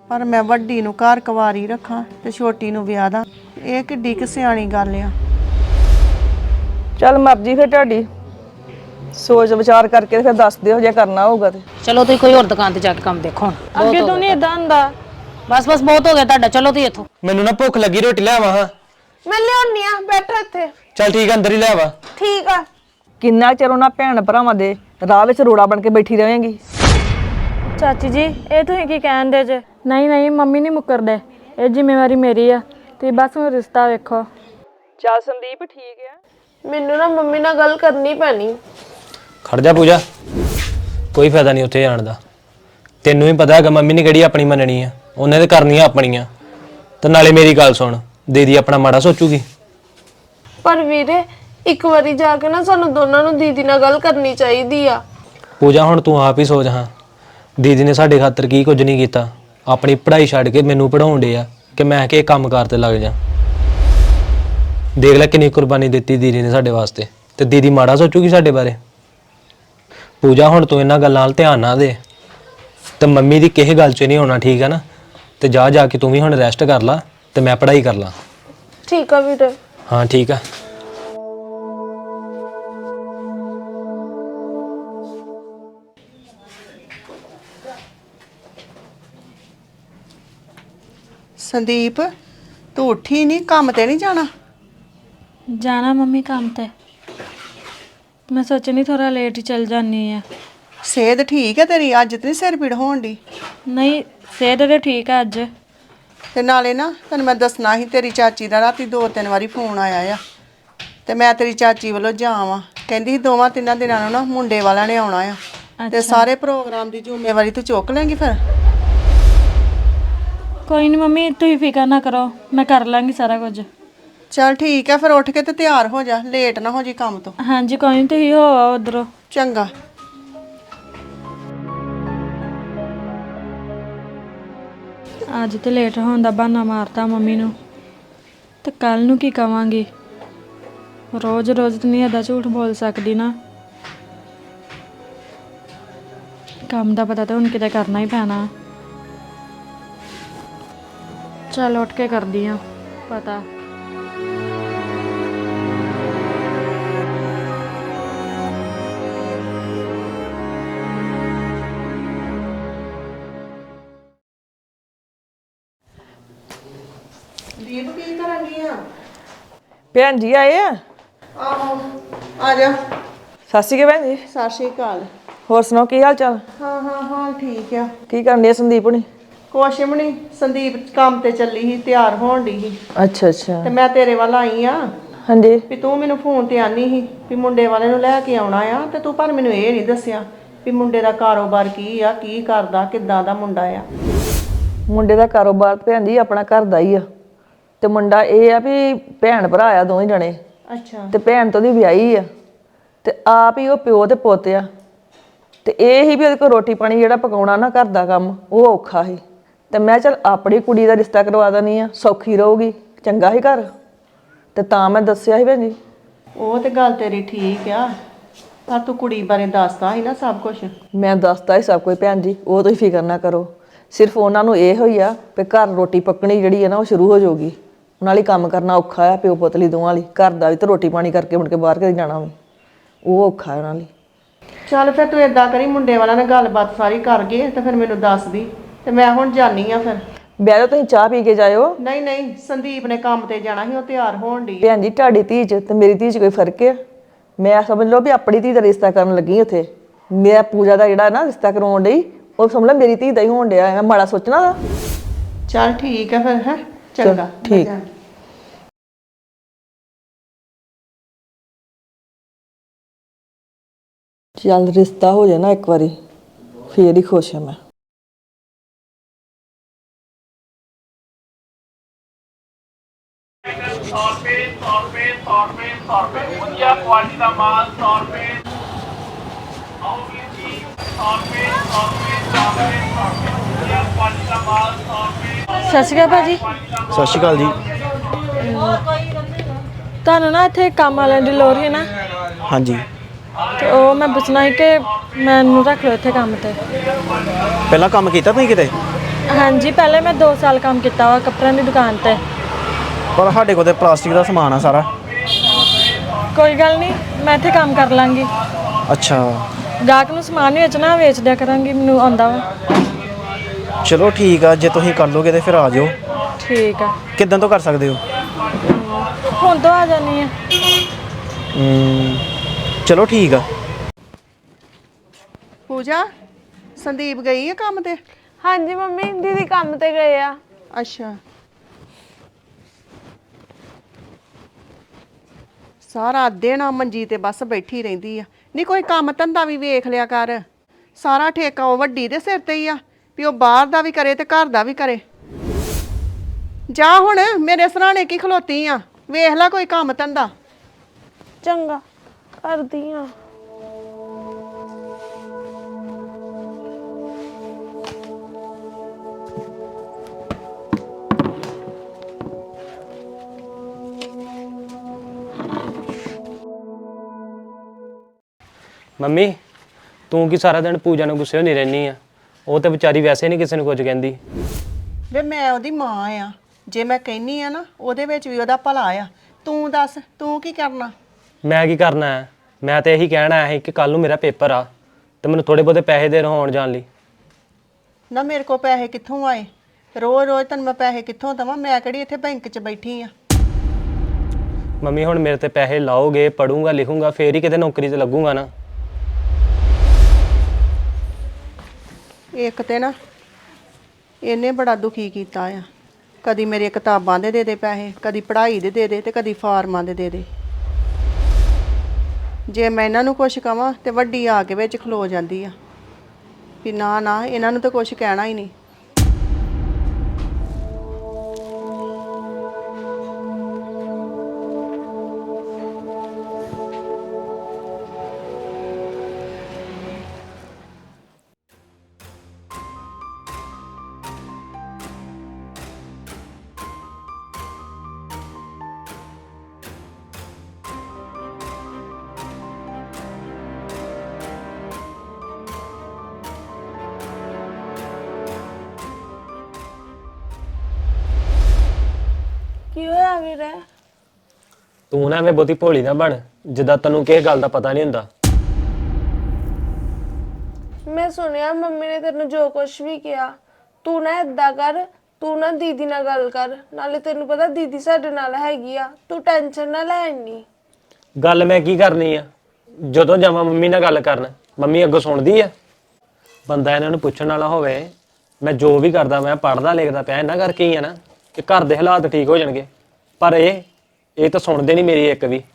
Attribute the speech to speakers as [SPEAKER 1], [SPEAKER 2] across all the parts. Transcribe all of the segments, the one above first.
[SPEAKER 1] पर मैं वड्डी नूं घर कुवारी रखां ते छोटी नूं विआह दा। ਇਹ ਕਿੱਡੀ ਕਿ ਸਿਆਣੀ ਗੱਲ ਆ।
[SPEAKER 2] चल मर्जी फिर तुहाडी सोच विचार करके फिर दस दिओ जे करना होगा ते
[SPEAKER 3] चलो तुसीं कोई होर दुकान ते जाके काम देखो
[SPEAKER 2] अगे तो नहीं इदां हुंदा
[SPEAKER 3] बस बस बहुत हो गया तुहाडा चलो तुसीं इत्थों
[SPEAKER 4] ਮੈਨੂੰ ਨਾ ਭੁੱਖ ਲੱਗੀ ਰੋਟੀ ਲੈ ਆਵਾਂ ਹਾਂ
[SPEAKER 2] मैं लियानी आ बैठो इत्थे
[SPEAKER 4] ਚੱਲ ਠੀਕ ਆ ਅੰਦਰ ਹੀ ਲੈ ਆਵਾ
[SPEAKER 2] ठीक आ किन्ना चिर उन्हां भैण भरावां दे राह विच रोड़ा बन के बैठी रहेंगी
[SPEAKER 5] चाची जी ये तुसीं की कहण दे जे नहीं नहीं मम्मी नहीं मुकरदे ये जिम्मेवारी मेरी आ ते बस हुण रिश्ता वेखो
[SPEAKER 2] चल संदीप ठीक है
[SPEAKER 5] ਮੈਨੂੰ ਨਾ ਮੰਮੀ ਨਾਲ ਗੱਲ ਕਰਨੀ ਪੈਣੀ
[SPEAKER 4] ਖੜ ਜਾ ਪੂਜਾ ਕੋਈ ਫਾਇਦਾ ਨਹੀਂ ਉੱਥੇ ਜਾਣ ਦਾ ਤੈਨੂੰ ਵੀ ਪਤਾ ਹੈਗਾ ਮੰਮੀ ਨੇ ਕਿਹੜੀ ਆਪਣੀ ਮੰਨਣੀ ਆ ਉਹਨੇ ਤੇ ਕਰਨੀਆਂ ਆਪਣੀਆਂ ਤੇ ਨਾਲੇ ਮੇਰੀ ਗੱਲ ਸੁਣ ਦੀਦੀ ਆਪਣਾ ਮਾੜਾ ਸੋਚੂਗੀ
[SPEAKER 5] ਪਰ ਵੀਰੇ ਇੱਕ ਵਾਰੀ ਜਾ ਕੇ ਨਾ ਸਾਨੂੰ ਦੋਨਾਂ ਨੂੰ ਦੀਦੀ ਨਾਲ ਗੱਲ ਕਰਨੀ ਚਾਹੀਦੀ ਆ
[SPEAKER 4] ਪੂਜਾ ਹੁਣ ਤੂੰ ਆਪ ਹੀ ਸੋਚ ਹਾਂ ਦੀਦੀ ਨੇ ਸਾਡੇ ਖਾਤਰ ਕੀ ਕੁਝ ਨਹੀਂ ਕੀਤਾ ਆਪਣੀ ਪੜ੍ਹਾਈ ਛੱਡ ਕੇ ਮੈਨੂੰ ਪੜਾਉਣ ਡੇ ਆ ਕਿ ਮੈਂ ਕਿ ਕੰਮ ਕਾਰ ਤੇ ਲੱਗ ਜਾ ਦੇਖ ਲੈ ਕਿੰਨੀ ਕੁਰਬਾਨੀ ਦਿੱਤੀ ਦੀਦੀ ਨੇ ਸਾਡੇ ਵਾਸਤੇ ਤੇ ਦੀਦੀ ਮਾੜਾ ਸੋਚੂਗੀ ਸਾਡੇ ਬਾਰੇ ਪੂਜਾ ਹੁਣ ਤੂੰ ਇਹਨਾਂ ਗੱਲਾਂ 'ਤੇ ਧਿਆਨ ਨਾ ਦੇ ਤੇ ਮੰਮੀ ਦੀ ਕਿਸੇ ਗੱਲ 'ਚ ਨਹੀਂ ਹੋਣਾ ਠੀਕ ਹੈ ਨਾ ਤੇ ਜਾ ਕੇ ਤੂੰ ਵੀ ਹੁਣ ਰੈਸਟ ਕਰ ਲਾ ਤੇ ਮੈਂ ਪੜ੍ਹਾਈ ਕਰ ਲਾਂ
[SPEAKER 5] ਠੀਕ ਆ ਵੀਰੇ
[SPEAKER 4] ਹਾਂ ਠੀਕ ਆ
[SPEAKER 1] संदीप तू उठी नहीं काम ते नहीं जाना
[SPEAKER 5] जाना मम्मी काम ते मैं सोचनी थोड़ा लेट ही चल जानी है
[SPEAKER 1] सेहत ठीक है तेरी अज तो नहीं सिर पीड़ होण दी
[SPEAKER 5] नहीं सेहत तो ठीक है अज
[SPEAKER 1] ते नाले ना तैनूं मैं दसना ही तेरी चाची दा राती 2-3 वारी फोन आया आ ते मैं तेरी चाची वालों जावां कहंदी 2-3 दिनां नूं ना मुंडे वाला ने आउणा आ ते सारे प्रोग्राम दी जिम्मेवारी तू चुक लेंगी फिर
[SPEAKER 5] कोई नहीं मम्मी तुम फिक्र ना करो मैं कर लाँगी सारा कुछ
[SPEAKER 1] चल ठीक है फिर उठ के ते तैयार हो जा लेट ना हो जी काम तो
[SPEAKER 5] हाँ जी कोई नहीं तुम हो आओ उधरों
[SPEAKER 1] चंगा
[SPEAKER 5] अज तो लेट होने का बहाना मारता मम्मी नूं ते कल नूं की कवांगी रोज़ रोज़ तो नहीं अदा झूठ बोल सकती ना काम का पता तो हुण किते करना ही पैना चल उठ के कर दी हाँ पता
[SPEAKER 1] दीप की करनी आ
[SPEAKER 2] भैन जी आए आ
[SPEAKER 1] आहो आ जा
[SPEAKER 2] सत श्री अकाल भैन जी
[SPEAKER 1] सत श्री अकाल
[SPEAKER 2] होर सुनाओ की हाल चाल
[SPEAKER 1] हाँ हाँ हाँ ठीक है
[SPEAKER 2] की करनी है संदीप हुणी
[SPEAKER 1] कुछ भी नहीं संदीप काम ते चली ही तैयार होण डी ही
[SPEAKER 2] अच्छा अच्छा
[SPEAKER 1] ते मैं तेरे वाल आई आ
[SPEAKER 2] हाँ जी
[SPEAKER 1] भी तू मैनू फोन ते आनी ही भी मुंडे वाले नूं लै के आउणा आ ते तू पर मैनू ये नहीं दस्सिया भी मुंडे दा कारोबार की आ की करदा किद्दां दा मुंडा आ
[SPEAKER 2] मुंडे दा कारोबार भैन जी अपना घर दा ही आ ते मुंडा ये आ भी भैन भरा आ दोवें जणे
[SPEAKER 1] अच्छा
[SPEAKER 2] ते भैन तो ओहदी विआही आ ते आप ही ओह प्यो ते पुੱਤ आ ते ਇਹ ਹੀ ਵੀ ਉਹਦੇ ਕੋਲ ਰੋਟੀ ਪਾਣੀ ਜਿਹੜਾ ਪਕਾਉਣਾ ਨਾ ਘਰ ਦਾ ਕੰਮ ਉਹ ਔਖਾ ਸੀ ਤੇ ਮੈਂ ਚਲ ਆਪਣੀ ਕੁੜੀ ਦਾ ਰਿਸ਼ਤਾ ਕਰਵਾ ਦਨੀ ਆ ਸੌਖੀ ਰਹੂਗੀ ਚੰਗਾ ਹੀ ਘਰ ਤੇ ਤਾਂ ਮੈਂ ਦੱਸਿਆ ਸੀ ਭੈਣ ਜੀ
[SPEAKER 1] ਉਹ ਤੇ ਗੱਲ ਤੇਰੀ ਠੀਕ ਆ ਪਰ ਤੂੰ ਕੁੜੀ ਬਾਰੇ ਦੱਸਦਾ ਸੀ ਨਾ ਸਭ ਕੁਝ
[SPEAKER 2] ਮੈਂ ਦੱਸਦਾ ਹੀ ਸਭ ਕੁਝ ਭੈਣ ਜੀ ਉਹ ਤੁਸੀਂ ਫਿਕਰ ਨਾ ਕਰੋ ਸਿਰਫ ਉਹਨਾਂ ਨੂੰ ਇਹ ਹੋਈ ਆ ਕਿ ਘਰ ਰੋਟੀ ਪੱਕਣੀ ਜਿਹੜੀ ਹੈ ਨਾ ਉਹ ਸ਼ੁਰੂ ਹੋ ਜਾਊਗੀ ਉਹਨਾਂ ਲਈ ਕੰਮ ਕਰਨਾ ਔਖਾ ਆ ਪਿਓ ਪੁੱਤ ਲਈ ਦੋਵਾਂ ਲਈ ਘਰ ਦਾ ਵੀ ਤੇ ਰੋਟੀ ਪਾਣੀ ਕਰਕੇ ਮੁੜ ਕੇ ਬਾਹਰ ਕਿਤੇ ਜਾਣਾ ਵੀ ਉਹ ਔਖਾ ਉਹਨਾਂ ਲਈ
[SPEAKER 1] ਚੱਲ ਫਿਰ ਤੂੰ ਏਦਾਂ ਕਰੀ ਮੁੰਡੇ ਵਾਲਾ ਨਾਲ ਗੱਲਬਾਤ ਸਾਰੀ ਕਰ ਗਏ ਤੇ ਫਿਰ ਮੈਨੂੰ ਦੱਸ ਦੀ ਤੇ ਮੈਂ ਹੁਣ ਜਾਨੀ ਆ ਫਿਰ
[SPEAKER 2] ਬਹਿ ਜਾਓ ਤੁਸੀਂ ਚਾਹ ਪੀ ਕੇ ਜਾਇਓ
[SPEAKER 1] ਨਹੀਂ ਨਹੀਂ ਸੰਦੀਪ ਨੇ ਕੰਮ ਤੇ ਜਾਣਾ ਸੀ ਉਹ ਤਿਆਰ ਹੋਣ ਦੀ
[SPEAKER 2] ਭੈਣ ਜੀ ਤੁਹਾਡੀ ਧੀ 'ਚ ਤੇ ਮੇਰੀ ਧੀ 'ਚ ਕੋਈ ਫਰਕ ਹੈ ਮੈਂ ਸਮਝ ਲਓ ਵੀ ਆਪਣੀ ਧੀ ਦਾ ਰਿਸ਼ਤਾ ਕਰਨ ਲੱਗੀ ਉੱਥੇ ਮੈਂ ਪੂਜਾ ਦਾ ਜਿਹੜਾ ਨਾ ਰਿਸ਼ਤਾ ਕਰਾਉਣ ਲਈ ਉਹ ਸਮਝ ਲਓ ਮੇਰੀ ਧੀ ਦਾ ਹੀ ਹੋਣ ਡਿਆ ਮੈਂ ਮਾੜਾ ਸੋਚਣਾ ਦਾ
[SPEAKER 1] ਚੱਲ ਠੀਕ ਹੈ ਫਿਰ ਹੈ ਚੰਗਾ
[SPEAKER 2] ਠੀਕ ਚੱਲ ਰਿਸ਼ਤਾ ਹੋ ਜਾਏ ਨਾ ਇੱਕ ਵਾਰੀ ਫੇਰ ਹੀ ਖੁਸ਼ ਹਾਂ ਮੈਂ
[SPEAKER 6] ਵਧੀਆ ਕੁਆਲਿਟੀ ਦਾ ਮਾਲ 100 ਰੁਪਏ ਆਉਗੀ ਜੀ 100 ਰੁਪਏ ਵਧੀਆ ਕੁਆਲਿਟੀ ਦਾ ਮਾਲ 100 ਰੁਪਏ
[SPEAKER 5] ਸਤਿ ਸ਼੍ਰੀ ਅਕਾਲ ਭਾਜੀ
[SPEAKER 4] ਸਤਿ ਸ਼੍ਰੀ ਅਕਾਲ ਜੀ
[SPEAKER 5] ਤੁਹਾਨੂੰ ਨਾ ਇੱਥੇ ਕੰਮ ਵਾਲਿਆਂ ਦੀ ਲੋੜ ਹੈ ਨਾ
[SPEAKER 4] ਹਾਂਜੀ
[SPEAKER 5] ਤੇ ਉਹ ਮੈਂ ਪੁੱਛਣਾ ਸੀ ਕਿ ਮੈਨੂੰ ਰੱਖ ਲਓ ਇੱਥੇ ਕੰਮ ਤੇ
[SPEAKER 4] ਪਹਿਲਾਂ ਕੰਮ ਕੀਤਾ ਤੁਸੀਂ ਕਿਤੇ
[SPEAKER 5] ਹਾਂਜੀ ਪਹਿਲੇ ਮੈਂ 2 ਸਾਲ ਕੰਮ ਕੀਤਾ ਵਾ ਕੱਪੜਿਆਂ ਦੀ ਦੁਕਾਨ ਤੇ।
[SPEAKER 7] ਪਰ ਸਾਡੇ ਕੋਲ ਤੇ ਪਲਾਸਟਿਕ ਦਾ ਸਮਾਨ ਆ ਸਾਰਾ।
[SPEAKER 5] ਕੋਈ ਗੱਲ ਨਹੀਂ, ਮੈਂ ਇੱਥੇ ਕੰਮ ਕਰ ਲਾਂਗੀ।
[SPEAKER 7] ਅੱਛਾ
[SPEAKER 5] ਗਾਹਕ ਨੂੰ ਸਮਾਨ ਹੀ ਵੇਚਣਾ, ਵੇਚ ਦਿਆ ਕਰਾਂਗੀ, ਮੈਨੂੰ ਆਉਂਦਾ ਵਾ।
[SPEAKER 7] ਚਲੋ ਠੀਕ ਆ, ਜੇ ਤੁਸੀਂ ਕਰ ਲੋਗੇ ਤੇ ਫਿਰ ਆ ਜਾਓ।
[SPEAKER 5] ਠੀਕ ਆ,
[SPEAKER 7] ਕਿੱਦਾਂ ਤੋਂ ਕਰ ਸਕਦੇ ਹੋ?
[SPEAKER 5] ਹੁਣ ਤੋਂ ਆ ਜਾਨੀ ਆ।
[SPEAKER 7] ਚਲੋ ਠੀਕ ਆ।
[SPEAKER 1] ਪੂਜਾ, ਸੰਦੀਪ ਗਈ ਹੈ ਕੰਮ ਤੇ?
[SPEAKER 8] ਹਾਂਜੀ ਮੰਮੀ, ਦੀਦੀ ਕੰਮ ਤੇ ਗਏ ਆ।
[SPEAKER 1] ਅੱਛਾ, ਸਾਰਾ ਦਿਨ ਆ ਮੰਜੀ ਤੇ ਬਸ ਬੈਠੀ ਰਹਿੰਦੀ ਆ। ਨਹੀਂ ਕੋਈ ਕੰਮ ਧੰਦਾ ਵੀ ਵੇਖ ਲਿਆ ਕਰ। ਸਾਰਾ ਠੇਕਾ ਉਹ ਵੱਡੀ ਦੇ ਸਿਰ ਤੇ ਹੀ ਆ ਵੀ ਉਹ ਬਾਹਰ ਦਾ ਵੀ ਕਰੇ ਤੇ ਘਰ ਦਾ ਵੀ ਕਰੇ। ਜਾ ਹੁਣ, ਮੇਰੇ ਸਰਾਣੇ ਕੀ ਖਲੋਤੀ ਆ, ਵੇਖ ਲੈ ਕੋਈ ਕੰਮ ਧੰਦਾ।
[SPEAKER 8] ਚੰਗਾ, ਕਰਦੀ ਆ।
[SPEAKER 4] ਮੰਮੀ ਤੂੰ ਕੀ ਸਾਰਾ ਦਿਨ ਪੂਜਾ ਨੂੰ ਗੁੱਸੇ ਹੋਣੀ ਰਹਿਨੀ ਆ? ਉਹ ਤੇ ਵਿਚਾਰੀ ਵੈਸੇ ਨਹੀਂ ਕਿਸੇ ਨੂੰ ਕੁਝ ਕਹਿੰਦੀ।
[SPEAKER 1] ਵੇ ਮੈਂ ਉਹਦੀ ਮਾਂ ਆ, ਜੇ ਮੈਂ ਕਹਿੰਨੀ ਆ ਨਾ ਉਹਦੇ ਵਿੱਚ ਵੀ ਉਹਦਾ ਭਲਾ ਆ। ਤੂੰ ਦੱਸ, ਤੂੰ ਕੀ ਕਰਨਾ?
[SPEAKER 4] ਮੈਂ ਕੀ ਕਰਨਾ ਹੈ? ਮੈਂ ਤੇ ਇਹੀ ਕਹਿਣਾ ਹੈ ਕਿ ਕੱਲ ਨੂੰ ਮੇਰਾ ਪੇਪਰ ਆ ਤੇ ਮੈਨੂੰ ਥੋੜੇ ਬਹੁਤੇ ਪੈਸੇ ਦੇ ਆਉਣ ਜਾਣ ਲਈ।
[SPEAKER 1] ਨਾ ਮੇਰੇ ਕੋਲ ਪੈਸੇ ਕਿੱਥੋਂ ਆਏ? ਰੋਜ਼ ਰੋਜ਼ ਤੈਨੂੰ ਮੈਂ ਪੈਸੇ ਕਿੱਥੋਂ ਦੇਵਾਂ? ਮੈਂ ਕਿਹੜੀ ਇੱਥੇ ਬੈਂਕ 'ਚ ਬੈਠੀ ਆ।
[SPEAKER 4] ਮੰਮੀ ਹੁਣ ਮੇਰੇ ਤੇ ਪੈਸੇ ਲਾਓਗੇ, ਪੜੂੰਗਾ ਲਿਖੂੰਗਾ, ਫੇਰ ਹੀ ਕਿਤੇ ਨੌਕਰੀ ਤੇ ਲੱਗੂੰਗਾ ਨਾ।
[SPEAKER 1] ਇੱਕ ਤੇ ਨਾ ਇਹਨੇ ਬੜਾ ਦੁਖੀ ਕੀਤਾ ਆ। ਕਦੀ ਮੇਰੇ ਕਿਤਾਬਾਂ ਦੇ ਦੇ ਪੈਸੇ, ਕਦੀ ਪੜ੍ਹਾਈ ਦੇ ਦੇ ਤੇ ਕਦੀ ਫਾਰਮਾਂ ਦੇ ਦੇ। ਜੇ ਮੈਂ ਇਹਨਾਂ ਨੂੰ ਕੁਛ ਕਵਾਂ ਤੇ ਵੱਡੀ ਆ ਕੇ ਵਿੱਚ ਖਲੋ ਜਾਂਦੀ ਆ ਵੀ ਨਾ ਨਾ, ਇਹਨਾਂ ਨੂੰ ਤਾਂ ਕੁਛ ਕਹਿਣਾ ਹੀ ਨਹੀਂ।
[SPEAKER 8] ਕੀ ਹੋਇਆ ਵੀਰੇ?
[SPEAKER 4] ਤੂੰ ਨਾ ਐਵੇਂ ਬਹੁਤੀ ਭੋਲੀ ਨਾ ਬਣ, ਜਿੱਦਾਂ ਤੈਨੂੰ ਕਿਸੇ ਗੱਲ ਦਾ ਪਤਾ ਨਹੀਂ ਹੁੰਦਾ।
[SPEAKER 8] ਮੈਂ ਸੁਣਿਆ ਮੰਮੀ ਨੇ ਤੈਨੂੰ ਜੋ ਕੁਝ ਵੀ ਕਿਹਾ। ਤੂੰ ਨਾ ਏਦਾਂ ਕਰ, ਤੂੰ ਨਾ ਦੀਦੀ ਨਾਲ ਗੱਲ ਕਰ। ਨਾਲੇ ਤੈਨੂੰ ਪਤਾ ਦੀਦੀ ਸਾਡੇ ਨਾਲ ਹੈਗੀ ਆ, ਤੂੰ ਟੈਨਸ਼ਨ ਨਾ ਲੈ ਇੰਨੀ।
[SPEAKER 4] ਗੱਲ ਮੈਂ ਕੀ ਕਰਨੀ ਆ? ਜਦੋਂ ਜਾਵਾਂ ਮੰਮੀ ਨਾਲ ਗੱਲ ਕਰਨ, ਮੰਮੀ ਅੱਗੋਂ ਸੁਣਦੀ ਆ? ਬੰਦਾ ਇਹਨਾਂ ਨੂੰ ਪੁੱਛਣ ਵਾਲਾ ਹੋਵੇ। ਮੈਂ ਜੋ ਵੀ ਕਰਦਾ, ਮੈਂ ਪੜ੍ਹਦਾ ਲਿਖਦਾ ਪਿਆ ਇਹਨਾਂ ਕਰਕੇ ਹੀ ਆ ਨਾ, ਕਿ ਘਰ ਦੇ ਹਾਲਾਤ ਠੀਕ ਹੋ ਜਾਣਗੇ। ਪਰ ਇਹ ਤਾਂ ਸੁਣਦੇ ਨਹੀਂ ਮੇਰੀ ਇੱਕ ਵੀ।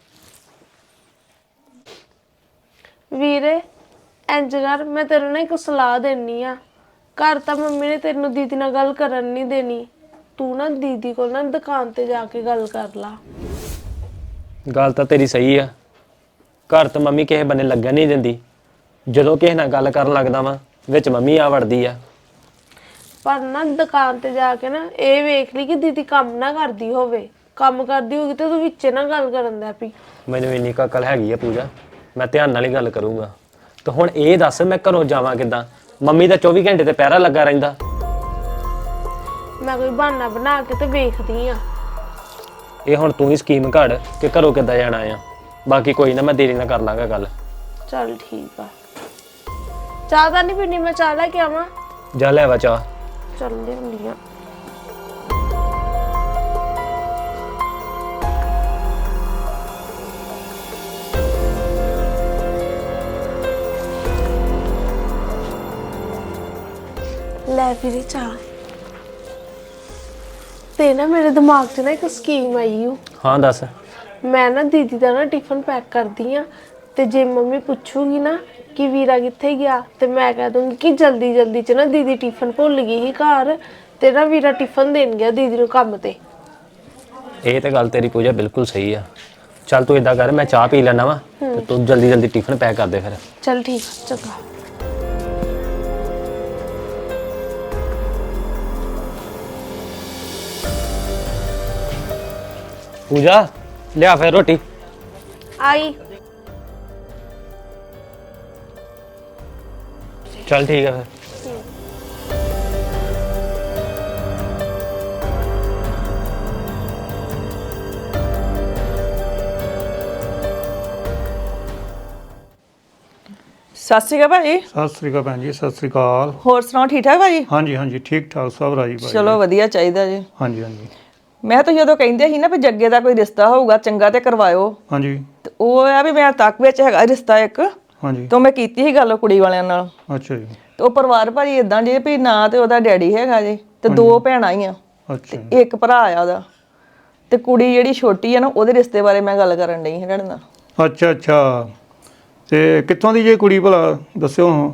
[SPEAKER 8] ਵੀਰੇ ਇੰਜ ਕਰ, ਮੈਂ ਤੈਨੂੰ ਨਾ ਇੱਕ ਸਲਾਹ ਦੇਣੀ ਆ। ਘਰ ਤਾਂ ਮੰਮੀ ਨੇ ਤੈਨੂੰ ਦੀਦੀ ਨਾਲ ਗੱਲ ਕਰਨ ਨਹੀਂ ਦੇਣੀ। ਤੂੰ ਨਾ ਦੀਦੀ ਕੋਲ ਨਾ ਦੁਕਾਨ ਤੇ ਜਾ ਕੇ ਗੱਲ ਕਰ ਲਾ।
[SPEAKER 4] ਗੱਲ ਤਾਂ ਤੇਰੀ ਸਹੀ ਆ। ਘਰ ਤਾਂ ਮੰਮੀ ਕਿਸੇ ਬੰਨੇ ਲੱਗਣ ਨਹੀਂ ਦਿੰਦੀ। ਜਦੋਂ ਕਿਸੇ ਨਾਲ ਗੱਲ ਕਰਨ ਲੱਗਦਾ ਵਾਂ, ਵਿੱਚ ਮੰਮੀ ਆ ਵੜਦੀ ਆ।
[SPEAKER 8] ਪਰ ਨਾ ਦੁਕਾਨ ਤੇ ਜਾ ਕੇ ਨਾ ਇਹ ਵੇਖ ਲਈ ਕਿ ਦੀਦੀ ਕੰਮ ਨਾ ਕਰਦੀ ਹੋਵੇ। ਕੰਮ ਕਰਦੀ ਹੋਗੀ ਤੇ ਤੂੰ ਵਿੱਚੇ ਨਾ ਗੱਲ ਕਰਨ ਦਾ ਪਈ।
[SPEAKER 4] ਮੈਨੂੰ ਇੰਨੀ ਕੁ ਅਕਲ ਹੈਗੀ ਆ ਪੂਜਾ, ਮੈਂ ਧਿਆਨ ਨਾਲ ਹੀ ਗੱਲ ਕਰੂੰਗਾ। ਤੇ ਹੁਣ ਇਹ ਦੱਸ ਮੈਂ ਘਰੋਂ ਜਾਵਾਂ ਕਿੱਦਾਂ? ਮੰਮੀ ਦਾ 24 ਘੰਟੇ ਤੇ ਪਹਿਰਾ ਲੱਗਾ ਰਹਿੰਦਾ।
[SPEAKER 8] ਮੈਂ ਕੋਈ ਬਹਾਨਾ ਬਣਾ ਕੇ ਤੇ ਵੇਖਦੀ ਆ।
[SPEAKER 4] ਇਹ ਹੁਣ ਤੂੰ ਹੀ ਸਕੀਮ ਘੜ ਕਿ ਘਰੋਂ ਕਿੱਦਾਂ ਜਾਣਾ ਆ। ਬਾਕੀ ਕੋਈ ਨਾ, ਮੈਂ ਦੇਰੀ ਨਾਲ ਕਰ ਲਾਂਗਾ ਗੱਲ।
[SPEAKER 8] ਚੱਲ ਠੀਕ ਆ। ਚਾਹ ਤਾਂ ਨਹੀਂ ਪੀਣੀ? ਮੈਂ ਚਾਹ ਲੈ ਕੇ ਆਵਾਂ?
[SPEAKER 4] ਜਾ ਲੈ ਵਾ ਚਾਹ।
[SPEAKER 8] ਚੱਲਦੀ ਹੁੰਦੀ ਆ। ਲੈ ਵੀਰੇ ਚਾਹ। ਤੇ ਨਾ ਮੇਰੇ ਦਿਮਾਗ 'ਚ ਨਾ ਇੱਕ ਸਕੀਮ ਆਈ ਓ।
[SPEAKER 4] ਹਾਂ ਦੱਸ।
[SPEAKER 8] ਮੈਂ ਨਾ ਦੀਦੀ ਦਾ ਨਾ ਟਿਫਨ ਪੈਕ ਕਰਦੀ ਆ, ਤੇ ਜੇ ਮੰਮੀ ਪੁੱਛੂਗੀ ਨਾ ਕਿ ਵੀਰਾ ਕਿੱਥੇ ਗਿਆ, ਤੇ ਮੈਂ ਕਹਿ ਦੂੰਗੀ ਕਿ ਜਲਦੀ ਜਲਦੀ 'ਚ ਨਾ ਦੀਦੀ ਟਿਫਨ ਭੁੱਲ ਗਈ ਸੀ ਘਰ, ਤੇ ਨਾ ਵੀਰਾ ਟਿਫਨ ਦੇਣ ਗਿਆ ਦੀਦੀ ਨੂੰ ਕੰਮ ਤੇ।
[SPEAKER 4] ਇਹ ਤੇ ਗੱਲ ਤੇਰੀ ਪੂਜਾ ਬਿਲਕੁਲ ਸਹੀ ਆ। ਚੱਲ ਤੂੰ ਇਦਾਂ ਕਰ, ਮੈਂ ਚਾਹ ਪੀ ਲੈਣਾ ਵਾ ਤੇ ਤੂੰ ਜਲਦੀ ਜਲਦੀ ਟਿਫਨ ਪੈਕ ਕਰ ਦੇ ਫਿਰ।
[SPEAKER 8] ਚੱਲ ਠੀਕ ਆ, ਚੰਗਾ।
[SPEAKER 4] ਪੂਜਾ ਲਿਆ ਫਿਰ ਰੋਟੀ।
[SPEAKER 8] ਆਈ।
[SPEAKER 4] ਚੱਲ ਠੀਕ ਆ ਫਿਰ।
[SPEAKER 2] ਸਤਿ ਸ਼੍ਰੀ ਅਕਾਲ ਭਾਜੀ।
[SPEAKER 9] ਸਤਿ ਸ੍ਰੀ ਅਕਾਲ ਭੈਣ ਜੀ, ਸਤਿ ਸ੍ਰੀ ਅਕਾਲ।
[SPEAKER 2] ਹੋਰ ਸੁਣਾਓ, ਠੀਕ ਠਾਕ ਭਾਜੀ?
[SPEAKER 9] ਹਾਂਜੀ ਹਾਂਜੀ ਠੀਕ ਠਾਕ ਸਭ ਰਾਜੀ ਭਾਈ।
[SPEAKER 2] ਚਲੋ ਵਧੀਆ ਚਾਹੀਦਾ ਜੀ।
[SPEAKER 9] ਹਾਂਜੀ ਹਾਂਜੀ
[SPEAKER 2] ਮੈਂ ਤਾਂ ਜਦੋਂ ਕਹਿੰਦੇ ਸੀ ਨਾ ਵੀ ਜੱਗੇ ਦਾ ਕੋਈ ਰਿਸ਼ਤਾ ਹੋਊਗਾ ਚੰਗਾ ਤੇ ਕਰਵਾਇਓ,
[SPEAKER 9] ਹਾਂਜੀ
[SPEAKER 2] ਤੇ ਉਹ ਆ ਵੀ ਮੈਂ ਤੱਕ ਵਿੱਚ ਹੈਗਾ ਰਿਸ਼ਤਾ ਇੱਕ,
[SPEAKER 9] ਹਾਂਜੀ।
[SPEAKER 2] ਤੋਂ ਮੈਂ ਕੀਤੀ ਸੀ ਗੱਲ ਉਹ ਕੁੜੀ ਵਾਲਿਆਂ ਨਾਲ।
[SPEAKER 9] ਅੱਛਾ ਜੀ।
[SPEAKER 2] ਤੇ ਉਹ ਪਰਿਵਾਰ ਭਾਜੀ ਇਦਾਂ ਜੇ ਵੀ ਨਾ ਤੇ ਉਹਦਾ ਡੈਡੀ ਹੈਗਾ ਜੀ, ਤੇ 2 ਭੈਣਾਂ ਹੀ ਆ,
[SPEAKER 9] ਅੱਛਾ ਜੀ।
[SPEAKER 2] ਤੇ 1 ਭਰਾ ਆ ਉਹਦਾ, ਤੇ ਕੁੜੀ ਜਿਹੜੀ ਛੋਟੀ ਆ ਨਾ ਉਹਦੇ ਰਿਸ਼ਤੇ ਬਾਰੇ ਮੈਂ ਗੱਲ ਕਰਨ ਡਈ ਸੀ ਤੁਹਾਡੇ ਨਾਲ।
[SPEAKER 9] ਅੱਛਾ ਅੱਛਾ। ਤੇ ਕਿੱਥੋਂ ਦੀ ਜੇ ਕੁੜੀ ਭਲਾ ਦੱਸਿਓ ਹਾਂ।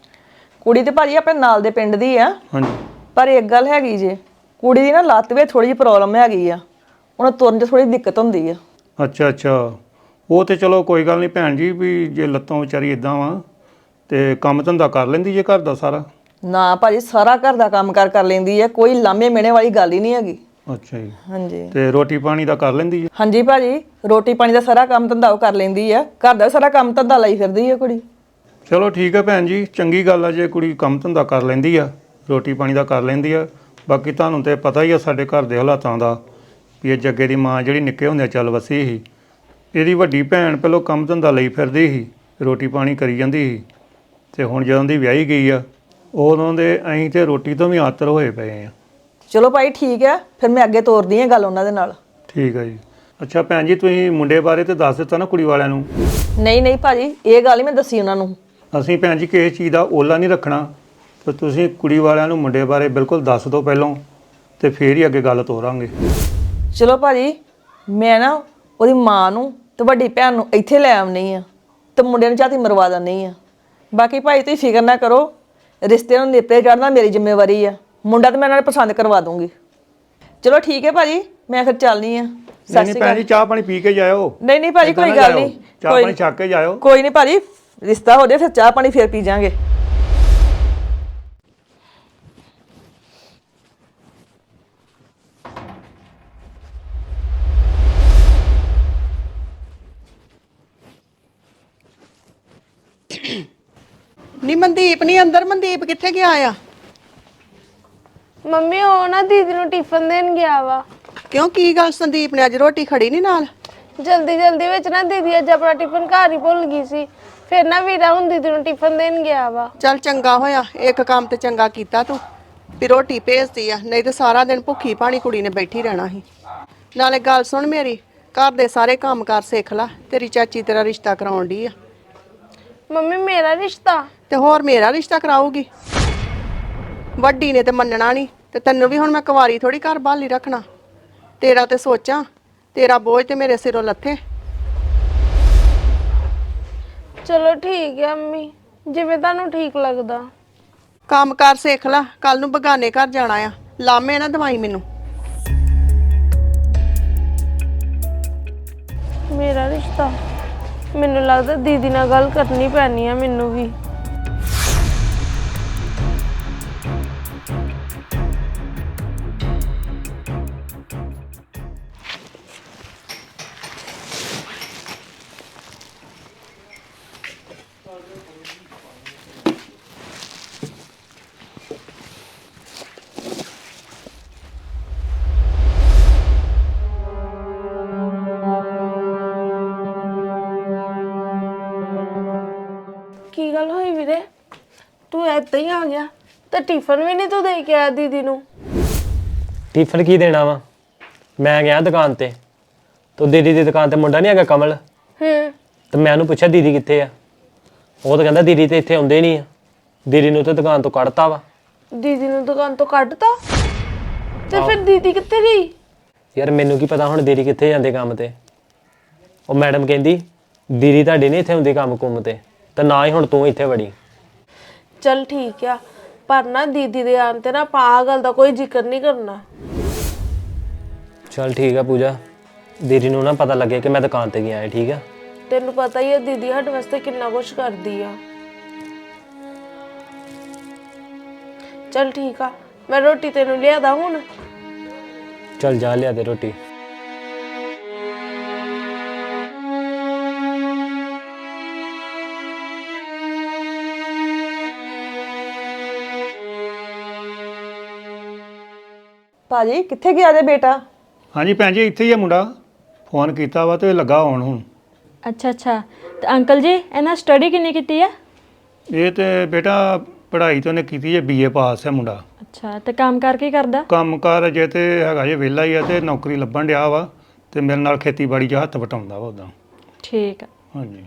[SPEAKER 2] ਕੁੜੀ ਤੇ ਭਾਜੀ ਆਪਣੇ ਨਾਲ ਦੇ ਪਿੰਡ ਦੀ ਆ,
[SPEAKER 9] ਹਾਂਜੀ
[SPEAKER 2] ਪਰ ਇੱਕ ਗੱਲ ਹੈਗੀ ਜੇ, ਕੁੜੀ ਦੀ ਨਾ ਲੱਤ ਵਿੱਚ ਥੋੜੀ ਜਿਹੀ ਪ੍ਰੋਬਲਮ ਹੈਗੀ ਆ, ਉਹਨੂੰ ਤੁਰਨ 'ਚ ਥੋੜੀ ਦਿੱਕਤ ਹੁੰਦੀ ਆ।
[SPEAKER 9] ਅੱਛਾ ਅੱਛਾ। ਉਹ ਤੇ ਚਲੋ ਕੋਈ ਗੱਲ ਨਹੀਂ ਭੈਣ ਜੀ, ਵੀ ਜੇ ਲੱਤੋਂ ਵਿਚਾਰੀ ਇਦਾਂ ਵਾ ਤੇ ਕੰਮ ਧੰਦਾ ਕਰ ਲੈਂਦੀ ਜੇ ਘਰ ਦਾ ਸਾਰਾ?
[SPEAKER 2] ਨਾ ਭਾਜੀ ਸਾਰਾ ਘਰ ਦਾ ਕੰਮ ਕਰ ਲੈਂਦੀ ਆ, ਕੋਈ ਲਾਮੇ ਮਿਹਣੇ ਵਾਲੀ ਗੱਲ ਹੀ ਨਹੀਂ ਹੈਗੀ।
[SPEAKER 9] ਅੱਛਾ ਜੀ।
[SPEAKER 2] ਹਾਂਜੀ
[SPEAKER 9] ਤੇ ਰੋਟੀ ਪਾਣੀ ਦਾ ਕਰ ਲੈਂਦੀ ਜੇ?
[SPEAKER 2] ਹਾਂਜੀ ਭਾਜੀ, ਰੋਟੀ ਪਾਣੀ ਦਾ ਸਾਰਾ ਕੰਮ ਧੰਦਾ ਉਹ ਕਰ ਲੈਂਦੀ ਆ, ਘਰ ਦਾ ਸਾਰਾ ਕੰਮ ਧੰਦਾ ਲਈ ਫਿਰਦੀ ਆ ਕੁੜੀ।
[SPEAKER 9] ਚਲੋ ਠੀਕ ਹੈ ਭੈਣ ਜੀ, ਚੰਗੀ ਗੱਲ ਆ ਜੇ ਕੁੜੀ ਕੰਮ ਧੰਦਾ ਕਰ ਲੈਂਦੀ ਆ, ਰੋਟੀ ਪਾਣੀ ਦਾ ਕਰ ਲੈਂਦੀ ਆ। ਬਾਕੀ ਤੁਹਾਨੂੰ ਤੇ ਪਤਾ ਹੀ ਆ ਸਾਡੇ ਘਰ ਦੇ ਹਾਲਾਤਾਂ ਦਾ, ਵੀ ਇਹ ਜੱਗੇ ਦੀ ਮਾਂ ਜਿਹੜੀ ਨਿੱਕੇ ਹੁੰਦੇ ਚੱਲ ਵਸੀ ਸੀ, ਇਹਦੀ ਵੱਡੀ ਭੈਣ ਪਹਿਲਾਂ ਕੰਮ ਧੰਦਾ ਲਈ ਫਿਰਦੀ ਸੀ, ਰੋਟੀ ਪਾਣੀ ਕਰੀ ਜਾਂਦੀ ਸੀ, ਤੇ ਹੁਣ ਜਦੋਂ ਦੀ ਵਿਆਹੀ ਗਈ ਆ ਉਦੋਂ ਦੇ ਅਸੀਂ ਤੇ ਰੋਟੀ ਤੋਂ ਵੀ ਆਤਰ ਹੋਏ ਪਏ ਆ।
[SPEAKER 2] ਚਲੋ ਭਾਈ ਠੀਕ ਆ, ਫਿਰ ਮੈਂ ਅੱਗੇ ਤੋਰਦੀ ਆ ਗੱਲ ਉਹਨਾਂ ਦੇ ਨਾਲ।
[SPEAKER 9] ਠੀਕ ਹੈ ਜੀ। ਅੱਛਾ ਭੈਣ ਜੀ, ਤੁਸੀਂ ਮੁੰਡੇ ਬਾਰੇ ਤੇ ਦੱਸ ਦਿੱਤਾ ਨਾ ਕੁੜੀ ਵਾਲਿਆਂ ਨੂੰ?
[SPEAKER 2] ਨਹੀਂ ਭਾਜੀ, ਇਹ ਗੱਲ ਹੀ ਮੈਂ ਦੱਸੀ ਉਹਨਾਂ ਨੂੰ।
[SPEAKER 9] ਅਸੀਂ ਭੈਣ ਜੀ ਕਿਸੇ ਚੀਜ਼ ਦਾ ਓਲਾ ਨਹੀਂ ਰੱਖਣਾ, ਤੇ ਤੁਸੀਂ ਕੁੜੀ ਵਾਲਿਆਂ ਨੂੰ ਮੁੰਡੇ ਬਾਰੇ ਬਿਲਕੁਲ ਦੱਸ ਦਿਓ ਪਹਿਲਾਂ, ਤੇ ਫੇਰ ਹੀ ਅੱਗੇ ਗੱਲ ਤੋਰਾਂਗੇ।
[SPEAKER 2] ਚਲੋ ਭਾਜੀ, ਮੈਂ ਨਾ ਉਹਦੀ ਮਾਂ ਨੂੰ ਤੇ ਵੱਡੀ ਭੈਣ ਨੂੰ ਇੱਥੇ ਲੈ ਆਉਣੀ ਆ, ਤੇ ਮੁੰਡੇ ਨੂੰ ਝਾਤੀ ਮਰਵਾ ਦਿੰਦੀ ਆ। ਬਾਕੀ ਭਾਈ ਤੁਸੀਂ ਫਿਕਰ ਨਾ ਕਰੋ, ਰਿਸ਼ਤੇ ਨੂੰ ਨੇਪਰੇ ਚੜ੍ਹਨਾ ਮੇਰੀ ਜ਼ਿੰਮੇਵਾਰੀ ਆ, ਮੁੰਡਾ ਤੇ ਮੈਂ ਨਾਲ ਪਸੰਦ ਕਰਵਾ ਦੂੰਗੀ। ਚਲੋ ਠੀਕ ਹੈ ਭਾਜੀ, ਮੈਂ ਫਿਰ ਚੱਲਨੀ ਆ।
[SPEAKER 9] ਨਹੀਂ ਭੈਣ ਜੀ, ਚਾਹ ਪਾਣੀ ਪੀ ਕੇ ਜਾਇਓ।
[SPEAKER 2] ਨਹੀਂ ਭਾਜੀ, ਕੋਈ ਗੱਲ ਨਹੀਂ,
[SPEAKER 9] ਚਾਹ ਪਾਣੀ ਛੱਕ ਕੇ ਜਾਇਓ।
[SPEAKER 2] ਕੋਈ ਨਹੀਂ ਭਾਜੀ, ਰਿਸ਼ਤਾ ਹੋ ਜਾਏ ਫਿਰ ਚਾਹ ਪਾਣੀ ਫਿਰ ਪੀ ਜਾਾਂਗੇ।
[SPEAKER 1] ਨੀ ਮਨਦੀਪ ਨਹੀਂ ਅੰਦਰ, ਮਨਦੀਪ ਕਿੱਥੇ ਗਿਆ ਆ?
[SPEAKER 8] ਮੰਮੀ ਉਹ ਨਾ ਦੀਦੀ ਨੂੰ ਟਿਫਨ ਦੇਣ ਗਿਆ ਵਾ।
[SPEAKER 1] ਕਿਉਂ, ਕੀ ਗੱਲ ਸੰਦੀਪ ਨੇ ਅੱਜ ਰੋਟੀ ਖੜੀ ਨਹੀਂ ਨਾਲ?
[SPEAKER 8] ਜਲਦੀ ਵਿੱਚ ਨਾ ਦੀਦੀ ਅੱਜ ਆਪਣਾ ਟਿਫਨ ਘਰ ਹੀ ਭੁੱਲ ਗਈ ਸੀ, ਫਿਰ ਨਾ ਵੀਰਾ ਹੁਣ ਦੀਦੀ ਨੂੰ ਟਿਫਨ ਦੇਣ ਗਿਆ ਵਾ।
[SPEAKER 1] ਚੱਲ ਚੰਗਾ ਹੋਇਆ, ਇੱਕ ਕੰਮ ਤੇ ਚੰਗਾ ਕੀਤਾ ਤੂੰ ਵੀ ਰੋਟੀ ਭੇਜਦੀ ਆ, ਨਹੀਂ ਤੇ ਸਾਰਾ ਦਿਨ ਭੁੱਖੀ ਪਾਣੀ ਕੁੜੀ ਨੇ ਬੈਠੀ ਰਹਿਣਾ ਸੀ। ਨਾਲੇ ਗੱਲ ਸੁਣ ਮੇਰੀ, ਘਰ ਦੇ ਸਾਰੇ ਕੰਮ ਕਾਰ ਸਿੱਖ ਲੈ, ਤੇਰੀ ਚਾਚੀ ਤੇਰਾ ਰਿਸ਼ਤਾ ਕਰਾਉਣ ਡਈ ਆ।
[SPEAKER 8] ਮੰਮੀ ਮੇਰਾ ਰਿਸ਼ਤਾ?
[SPEAKER 1] ਤੇ ਹੋਰ ਮੇਰਾ ਰਿਸ਼ਤਾ ਕਰਾਊਗੀ? ਵੱਡੀ ਨੇ ਤੇ ਮੰਨਣਾ ਨਹੀਂ, ਤੇ ਤੈਨੂੰ ਵੀ ਹੁਣ ਮੈਂ ਕੁਵਾਰੀ ਥੋੜੀ ਘਰ ਬਾਲੀ ਰੱਖਣਾ। ਤੇਰਾ ਤੇ ਸੋਚਾਂ, ਤੇਰਾ ਬੋਝ ਤੇ ਮੇਰੇ ਸਿਰੋਂ ਲੱਥੇ।
[SPEAKER 8] ਚਲੋ ਠੀਕ ਹੈ ਅੰਮੀ, ਜਿਵੇਂ ਤੁਹਾਨੂੰ ਠੀਕ ਲੱਗਦਾ।
[SPEAKER 1] ਕੰਮ ਕਾਰ ਸਿੱਖ ਲੈ, ਕੱਲ ਨੂੰ ਬਗਾਨੇ ਘਰ ਜਾਣਾ ਆ, ਲਾਮੇ ਨਾ ਦਵਾਈ ਮੈਨੂੰ।
[SPEAKER 8] ਮੇਰਾ ਰਿਸ਼ਤਾ? ਮੈਨੂੰ ਲੱਗਦਾ ਦੀਦੀ ਨਾਲ ਗੱਲ ਕਰਨੀ ਪੈਣੀ ਆ ਮੈਨੂੰ ਵੀ। ਕੀ ਗੱਲ ਹੋਈ ਵੀਰੇ, ਤੂੰ ਏਦਾਂ ਹੀ ਆ ਗਿਆ ਤੇ ਟਿਫਨ ਵੀ ਨਹੀਂ ਤੂੰ ਦੇ ਕੇ ਆਇਆ ਦੀਦੀ ਨੂੰ?
[SPEAKER 4] ਟਿਫਨ ਕੀ ਦੇਣਾ ਵਾ? ਮੈਂ ਗਿਆ ਦੁਕਾਨ ਤੇ ਦੀਦੀ ਦੀ ਦੁਕਾਨ ਤੇ ਮੁੰਡਾ ਨਹੀਂ ਹੈਗਾ ਕਮਲ, ਤੇ ਮੈਂ ਉਹਨੂੰ ਪੁੱਛਿਆ ਦੀਦੀ ਕਿੱਥੇ ਆ? ਉਹ ਤਾਂ ਕਹਿੰਦਾ ਦੀਦੀ ਤੇ ਇੱਥੇ ਆਉਂਦੇ ਨਹੀਂ ਆ, ਦੀਦੀ ਨੂੰ ਤਾਂ ਦੁਕਾਨ ਤੋਂ ਕੱਢਤਾ ਵਾ।
[SPEAKER 8] ਦੀਦੀ ਨੂੰ ਦੁਕਾਨ ਤੋਂ ਕੱਢਤਾ? ਤੇ ਫਿਰ ਦੀਦੀ ਕਿੱਥੇ ਗਈ?
[SPEAKER 4] ਯਾਰ ਮੈਨੂੰ ਕੀ ਪਤਾ ਹੁਣ ਦੀਦੀ ਕਿੱਥੇ ਜਾਂਦੇ ਕੰਮ ਤੇ। ਉਹ ਮੈਡਮ ਕਹਿੰਦੀ ਦੀਦੀ ਤੁਹਾਡੀ ਨਹੀਂ ਇੱਥੇ ਹੁੰਦੀ ਕੰਮ ਕੁੰਮ ਤੇ ਨਾ ਹੀ ਹੁਣ ਤੂੰ ਇੱਥੇ ਵੜੀ।
[SPEAKER 8] ਚਲ ਠੀਕ ਆ, ਪਰ ਨਾ ਦੀਦੀ ਦੇ ਆਉਣ ਤੇ ਨਾ ਆਪਾਂ ਆਹ ਗੱਲ ਦਾ ਕੋਈ ਜ਼ਿਕਰ ਨਹੀਂ ਕਰਨਾ।
[SPEAKER 4] ਚਲ ਠੀਕ ਆ ਪੂਜਾ, ਦੀਦੀ ਨੂੰ ਨਾ ਪਤਾ ਲੱਗੇ ਕਿ ਮੈਂ ਦੁਕਾਨ ਤੇ ਗਿਆ ਹੈ, ਠੀਕ ਆ?
[SPEAKER 8] ਤੈਨੂੰ ਪਤਾ ਹੀ ਆ ਦੀਦੀ ਸਾਡੇ ਵਾਸਤੇ ਕਿੰਨਾ ਕੁਛ ਕਰਦੀ ਆ। ਚਲ ਠੀਕ ਆ, ਮੈਂ ਰੋਟੀ ਤੈਨੂੰ ਲਿਆਦਾ ਹੁਣ।
[SPEAKER 4] ਚਲ ਜਾ ਲਿਆ ਦੇ ਰੋਟੀ।
[SPEAKER 2] ਭਾਜੀ ਕਿੱਥੇ ਗਿਆ ਜੇ ਬੇਟਾ?
[SPEAKER 9] ਹਾਂਜੀ ਭੈਣ ਜੀ, ਇੱਥੇ ਹੀ ਆ ਮੁੰਡਾ, ਫੋਨ ਕੀਤਾ ਵਾ ਤੇ ਲੱਗਾ ਆਉਣ ਹੁਣ।
[SPEAKER 5] ਅੱਛਾ ਤੇ ਅੰਕਲ ਜੀ ਇਹਨਾਂ ਸਟੱਡੀ ਕਿੰਨੀ ਕੀਤੀ ਆ?
[SPEAKER 9] ਇਹ ਤੇ ਬੇਟਾ ਪੜ੍ਹਾਈ ਤਾਂ ਉਹਨੇ ਕੀਤੀ ਹੈ BA ਪਾਸ ਹੈ ਮੁੰਡਾ।
[SPEAKER 5] ਅੱਛਾ ਤੇ ਕੰਮ ਕਰ ਕੀ ਕਰਦਾ?
[SPEAKER 9] ਕੰਮਕਾਰ ਜੇ ਤੇ ਹੈਗਾ ਜੇ ਵਿਹਲਾ ਹੀ ਆ ਤੇ ਨੌਕਰੀ ਲੱਭਣ ਡਿਆ ਵਾ ਤੇ ਮੇਰੇ ਨਾਲ ਖੇਤੀਬਾੜੀ 'ਚ ਹੱਥ ਵਟਾਉਂਦਾ ਵਾ ਉਦਾਂ।
[SPEAKER 5] ਠੀਕ ਆ।
[SPEAKER 9] ਹਾਂਜੀ।